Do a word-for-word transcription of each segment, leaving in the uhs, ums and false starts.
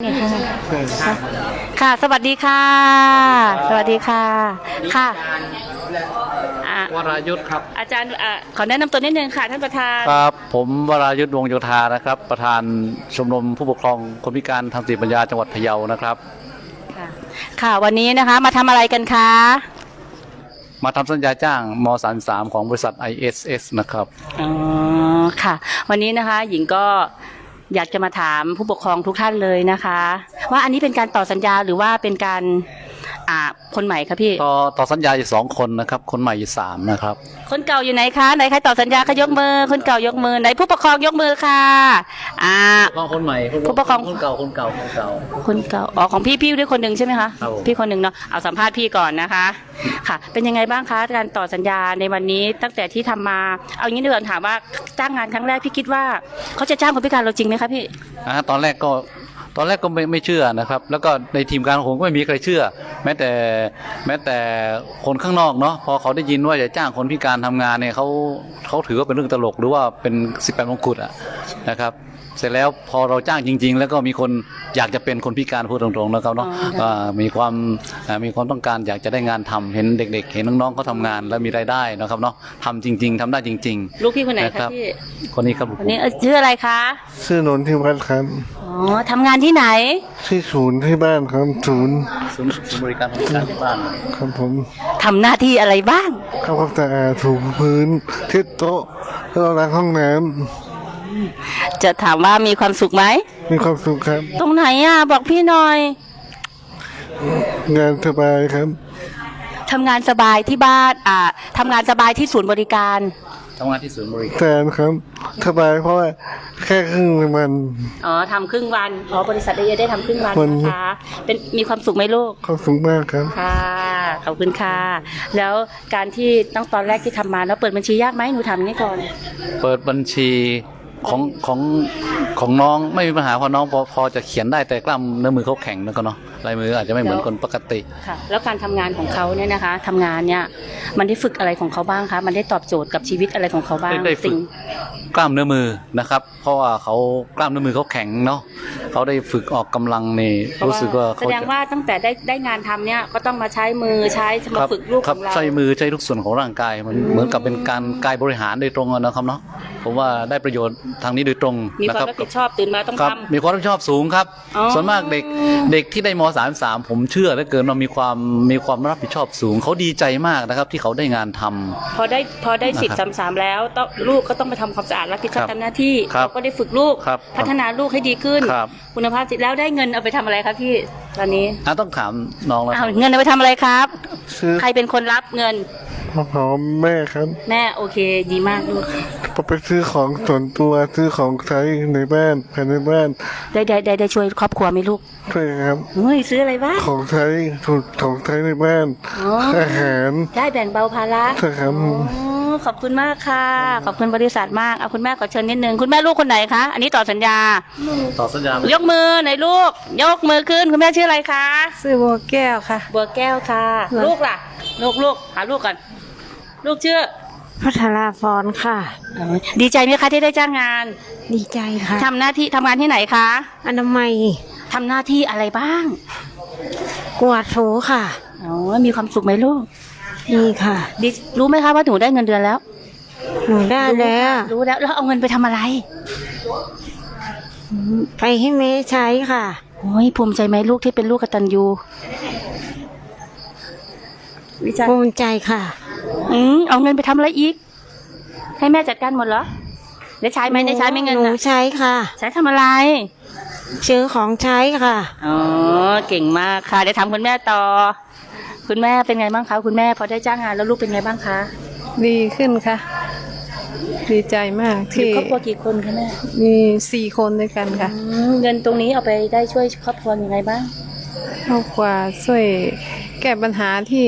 นี่ค่ะค่ะสวัสดีค่ะสวัสดีค่ะค่ะวรายุทธครับอาจารย์ขอแนะนำตัวนิดนึงค่ะท่านประธานครับผมวรายุทธวงศ์โยธานะครับประธานชมรมผู้ปกครองคนพิการทางสติปัญญาจังหวัดพะเยานะครับค่ะค่ะวันนี้นะคะมาทำอะไรกันคะมาทำสัญญาจ้างมสามสามของบริษัท ไอ เอส เอส นะครับอ๋อค่ะวันนี้นะคะหญิงก็อยากจะมาถามผู้ปกครองทุกท่านเลยนะคะว่าอันนี้เป็นการต่อสัญญาหรือว่าเป็นการอ่าคนใหม่ครับพี่ต่อต่อสัญญาอยู่สองคนนะครับคนใหม่อยู่สามนะครับคนเก่าอยู่ไหนคะไหนใครต่อสัญญาคะยกมือคนเก่ายกมือไหนผู้ปกครองยกมือค่ะอ่าคนใหม่ผู้ปกครองคนเก่าคนเก่าคนเก่าคนเก่าอ๋อของพี่พี่ด้วยคนหนึ่งใช่ไหมคะครับพี่คนหนึ่งเนาะเอาสัมภาษณ์พี่ก่อนนะคะค่ะเป็นยังไงบ้างคะการต่อสัญญาในวันนี้ตั้งแต่ที่ทำมาเอางี้ดีกว่าถามว่าจ้างงานครั้งแรกพี่คิดว่าเขาจะจ้างคนพิการเราจริงไหมคะพี่อ่าตอนแรกก็ตอนแรกก็ไม่ไม่เชื่อนะครับแล้วก็ในทีมงานของผมก็ไม่มีใครเชื่อแม้แต่แม้แต่คนข้างนอกเนาะพอเขาได้ยินว่าจะจ้างคนพิการทำงานเนี่ยเขาเขาถือว่าเป็นเรื่องตลกหรือว่าเป็นสิบแปดมงกุฎอะนะครับเสร็จแล้วพอเราจ้างจริงๆแล้วก็มีคนอยากจะเป็นคนพิการพูดตรงๆนะครับเนาะมีความมีความต้องการอยากจะได้งานทำเห็นเด็กๆเห็นน้องๆเขาทำงานแล้วมีรายได้นะครับเนาะทำจริงๆทำได้จริงๆลูกพี่คนไหนครับพี่คนนี้ครับคนนี้ชื่ออะไรคะชื่อนนทิวัฒน์ครับอ๋อทำงานที่ไหนที่ศูนย์ที่บ้านครับศูนย์ศูนย์บริการคนพิการที่บ้านครับผมทำหน้าที่อะไรบ้างทำความสะอาดถูพื้นเช็ดโต๊ะแล้วล้างห้องน้ำจะถามว่ามีความสุขไหมมีความสุขครับตรงไหนอ่ะบอกพี่หน่อยงานสบายครับทำงานสบายที่บ้านอ่าทำงานสบายที่ศูนย์บริการทำงานที่ศูนย์บริการแทนครับสบายเพราะว่าแค่ครึ่งวันอ๋อทำครึ่งวันอ๋อบริษัทได้ได้ทำครึ่งวันนะคะเป็นมีความสุขไหมลูกความสุขมากครับค่ะขอบคุณค่ะแล้วการที่ตั้งตอนแรกที่ทำมาแล้วเปิดบัญชียากไหมหนูทำนี่ก่อนเปิดบัญชีของของของน้องไม่มีปัญหาเพราะน้องพอพอจะเขียนได้แต่กล้ามเนื้อมือเขาแข็งนะก็เนาะลายมืออาจจะไม่เหมือนคนปกติค่ะแล้วการทำงานของเขาเนี่ยนะคะทำงานเนี่ยมันได้ฝึกอะไรของเขาบ้างคะมันได้ตอบโจทย์กับชีวิตอะไรของเขาบ้างได้ฝึกกล้ามเนื้อมือนะครับเพราะว่าเขากล้ามเนื้อมือเขาแข็งเนาะเขาได้ฝึกออกกำลังนี่รู้สึกว่าแสดงว่าตั้งแต่ได้ได้งานทำเนี่ยก็ต้องมาใช้มือใช้มาฝึกลูกของเราใช้มือใช้ทุกส่วนของร่างกายมันเหมือนกับเป็นการกายบริหารโดยตรงนะครับเนาะผมว่าได้ประโยชน์ทางนี้โดยตรงมีความรับผิดชอบตื่นมาต้องทำมีความรับผิดชอบสูงครับส่วนมากเด็กเด็กที่ได้มสามสามผมเชื่อเหลือเกินว่ามีความมีความรับผิดชอบสูงเขาดีใจมากนะครับที่เขาได้งานทำพอได้พอได้สิบสามสามแล้วต้องลูกก็ต้องไปทำความสะอาดรับผิดชอบทำหน้าที่เราก็ได้ฝึกลูกพัฒนาลูกให้ดีขึ้นคุณภาพจิตแล้วได้เงินเอาไปทำอะไรครับพี่ตอนนี้ต้องถามน้องแล้วเงินเอาไปทำอะไรครับใครเป็นคนรับเงินพ่อแม่ครับแม่โอเคดีมากลูกไปซื้อของส่วนตัวซื้อของใช้ในบ้านภายในบ้านได้ได้ได้ได้ช่วยครอบครัวไหมลูกช่วยครับเฮ้ยซื้ออะไรบ้างของใช้ของใช้ในบ้านอาหารได้แบ่งเบาภาระใช่ครับขอบคุณมากค่ะขอบคุณบริษัทมากเอาคุณแม่ขอเชิญนิดนึงคุณแม่ลูกคนไหนคะอันนี้ต่อสัญญาต่อสัญญายกมือไหนลูกยกมือขึ้นคุณแม่ชื่ออะไรคะชื่อบัวแก้วค่ะบัวแก้วค่ะลูกล่ะลูกลูกหาลูกกันลูกชื่อพัทราพรค่ะดีใจไหมคะที่ได้จ้างงานดีใจค่ะทำหน้าที่ทำงานที่ไหนคะอนามัยทำหน้าที่อะไรบ้างกวาดถูค่ะอ๋อมีความสุขไหมลูกดีค่ะดีรู้ไหมคะว่าหนูได้เงินเดือนแล้วหนูได้แล้วรู้แล้วแล้วเอาเงินไปทำอะไรไปให้แม่ใช้ค่ะโอ้ยภูมิใจไหมลูกที่เป็นลูกกตัญญูภูมิใจค่ะอืมเอาเงินไปทำอะไรอีกให้แม่จัดการหมดเหรอได้ใช้ไหมได้ใช้ไหมเงินหนูใช้ค่ะใช้ทำอะไรซื้อของใช้ค่ะอ๋อเก่งมากค่ะเดี๋ยวถามคุณแม่ต่อคุณแม่เป็นไงบ้างคะคุณแม่พอได้จ้างงานแล้วลูกเป็นไงบ้างคะดีขึ้นค่ะดีใจมากที่ครอบครัวกี่คนคะแม่มีสี่คนด้วยกันค่ะเงินตรงนี้เอาไปได้ช่วยครอบครัวยังไงบ้างครอบครัวช่วยแก้ปัญหาที่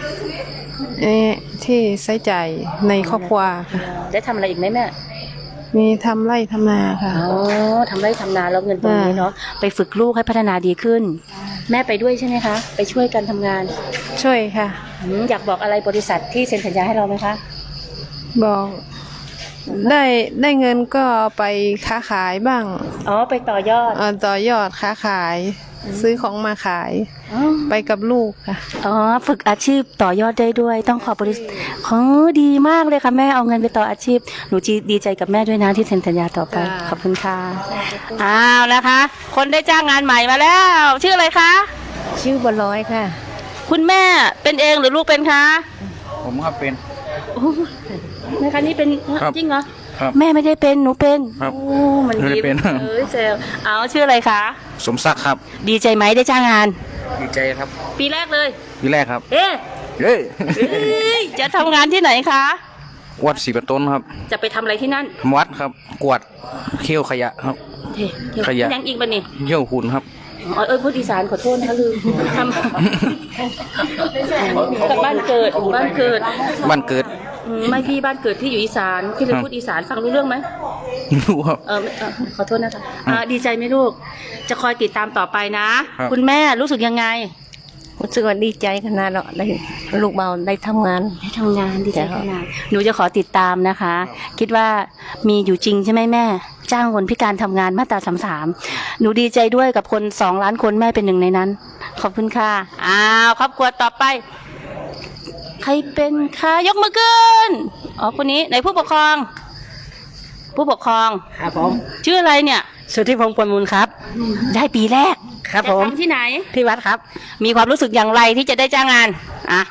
ที่ใช้จ่ายในครอบครัวค่ะได้ทำอะไรอีกไหมแม่มีทำไร่ทำนาค่ะอ๋อทำไร่ทำนาแล้วเงินตรงนี้เนาะไปฝึกลูกให้พัฒนาดีขึ้นแม่ไปด้วยใช่ไหมคะไปช่วยกันทำงานช่วยค่ะอยากบอกอะไรบริษัทที่เซ็นสัญญาให้เราไหมคะบอกได้ได้เงินก็เอาไปค้าขายบ้างอ๋อไปต่อยอดเอ่อต่อยอดค้าขาย ซื้อของมาขาย ไปกับลูกค่ะอ๋อฝึกอาชีพต่อยอดได้ด้วย ต้องขอบบริษัทอ๋อดีมากเลยค่ะแม่เอาเงินไปต่ออาชีพหนูจีดีใจกับแม่ด้วยนะที่เซ็นสัญญาต่อไปค่ะขอบคุณค่ะอ้าวนะคะ คนได้จ้างงานใหม่มาแล้ว ชื่ออะไรคะชื่อบัวลอยค่ะคุณแม่เป็นเองหรือลูกเป็นคะผมครับเป็นโอ้นะคะนี่เป็นครับจริงเหรอครับแม่ไม่ได้เป็นหนูเป็นครับโอ้มันไม่ได้ยิ้มเป็นเอ้ยเซลเอาชื่ออะไรคะสมศักดิ์ครับดีใจไหมได้จ้างงานดีใจครับปีแรกเลยปีแรกครับเอ๊ะเฮ้ยเอ้ยจะทำงานที่ไหนคะวัดศรีประต้นครับจะไปทำอะไรที่นั่นทำวัดครับ กวาดเขี้ยวขยะครับเฮ้ยเดี๋ยวขยะยังอีกบันนี่เขี้ยวหุ่นครับอ๋อเอ้ยพูดอีสานขอโทษนะคะลืมทำกับบ้านเกิดบ้านเกิดบ้านเกิดอืมไม่พี่บ้านเกิดที่อยู่อีสานพี่เลยครับพูดอีสานฟังรู้เรื่องไหมไม่รู้ครับเออไม่เออขอโทษนะคะอ่าดีใจไหมลูก จะคอยติดตามต่อไปนะครับคุณแม่รู้สึกยังไงรู้สึกว่าดีใจขนาดเราได้ลูกเบาได้ทำงานได้ทำงานดีใจจ้ะขนาดหนูจะขอติดตามนะคะ คิดว่ามีอยู่จริงใช่ไหมแม่ จ้างคนพิการทำงานมาตราสามสามหนูดีใจด้วยกับคนสองล้านคนแม่เป็นหนึ่งในนั้น ขอบคุณค่ะอ้าวครอบครัวต่อไป ใครเป็นคะยกมือขึ้นอ๋อคนนี้ไหนผู้ปกครอง ผู้ปกครองครับผมชื่ออะไรเนี่ยสุทธิพงศ์ปวนมูลครับได้ปีแรกครับจะผมทำที่ไหนที่วัดครับมีความรู้สึกอย่างไรที่จะได้จ้างงานอ่ะ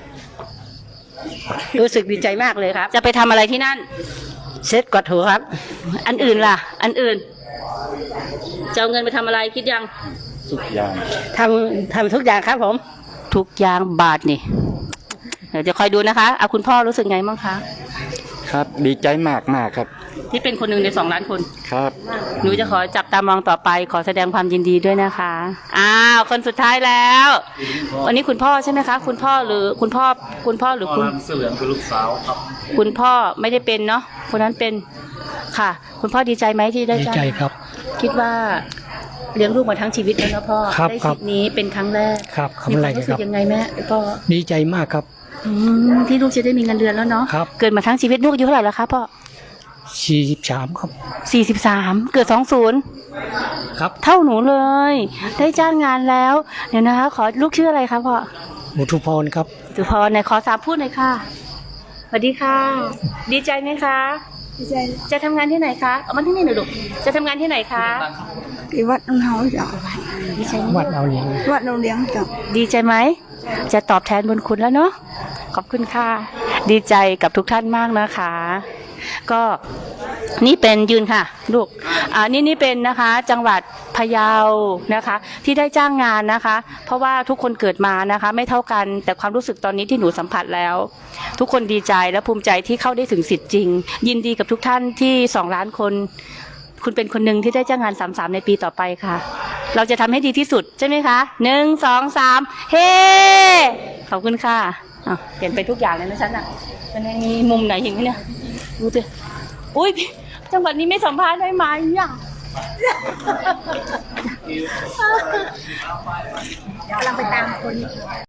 รู้สึกดีใจมากเลยครับจะไปทำอะไรที่นั่นเซ็ตกวาดถูครับอันอื่นล่ะ อันอื่นจะเอาเงินไปทำอะไรคิดยังทำทำทุกอย่างครับผมทุกอย่างบาทนี่ เดี๋ยวจะคอยดูนะคะเอาคุณพ่อรู้สึกไงบ้างคะครับดีใจมากมากครับที่เป็นคนหนึ่งในสองล้านคนครับหนูจะขอจับตามองต่อไป ขอแสดงความยินดีด้วยนะคะ อ้าว คนสุดท้ายแล้ว วันนี้คุณพ่อใช่ไหมคะ คุณพ่อหรือคุณพ่อ คุณพ่อหรือคุณเสื้อเหลืองคือลูกสาวครับคุณพ่อไม่ได้เป็นเนาะ คนนั้นเป็น ค่ะ คุณพ่อดีใจไหมที่ได้ดีจ้างใจครับคิดว่าเลี้ยงลูกมาทั้งชีวิตแล้วนะพ่อครับได้ครัสิบทธิ์นี้เป็นครั้งแรกครับคมีำคไรวามรู้คสึรักบยังไงแม่พ่อดีใจมากครับอืมที่ลูกจะได้มีเงินเดือนแล้วเนาะครับเกิดมาทั้งชีวิตลูกอายุเท่าไหร่แล้วคะพ่อสี่สิบสามครับสี่สิบสามเกิดสองศูนย์ครับเท่าหนูเลย ได้จ้างงานแล้ว เดี๋ยวนะคะ ขอลูกชื่ออะไรคะพ่ออุทุพรครับสุพรไหนขอสามพูดหน่อยค่ะสวัสดีค่ะ ดีใจไหมคะดีใจจะทำงานที่ไหนคะเอามาที่นี่หน่อยลูกจะทำงานที่ไหนคะที่วัดน้องเฮาจ้ะดีใจไหมวัดเอาเลี้ยงวัดน้องเลี้ยงจ้ะดีใจไหมจะตอบแทนบุญคุณแล้วเนาะขอบคุณค่ะ ดีใจกับทุกท่านมากนะคะ ก็นี่เป็นยืนค่ะ ลูกอ่านี่นี่เป็นนะคะ จังหวัดพะเยานะคะ ที่ได้จ้างงานนะคะ เพราะว่าทุกคนเกิดมานะคะ ไม่เท่ากันแต่ความรู้สึกตอนนี้ที่หนูสัมผัสแล้ว ทุกคนดีใจและภูมิใจที่เข้าได้ถึงสิทธิ์จริง ยินดีกับทุกท่านที่สองล้านคน คุณเป็นคนหนึ่งที่ได้จ้างงานสามสามในปีต่อไปค่ะ เราจะทำให้ดีที่สุดใช่ไหมคะหนึ่งสองสามเฮ้ขอบคุณค่ะอ่ะเปลี่ยนไปทุกอย่างเลยนะฉันอ่ะมันยังมีมุมไหนอีกไหมเนี่ยดูสิอุ้ยจังหวัดนี้ไม่สัมภาษณ์ได้ไหมอ่ะกำลังไปตามคน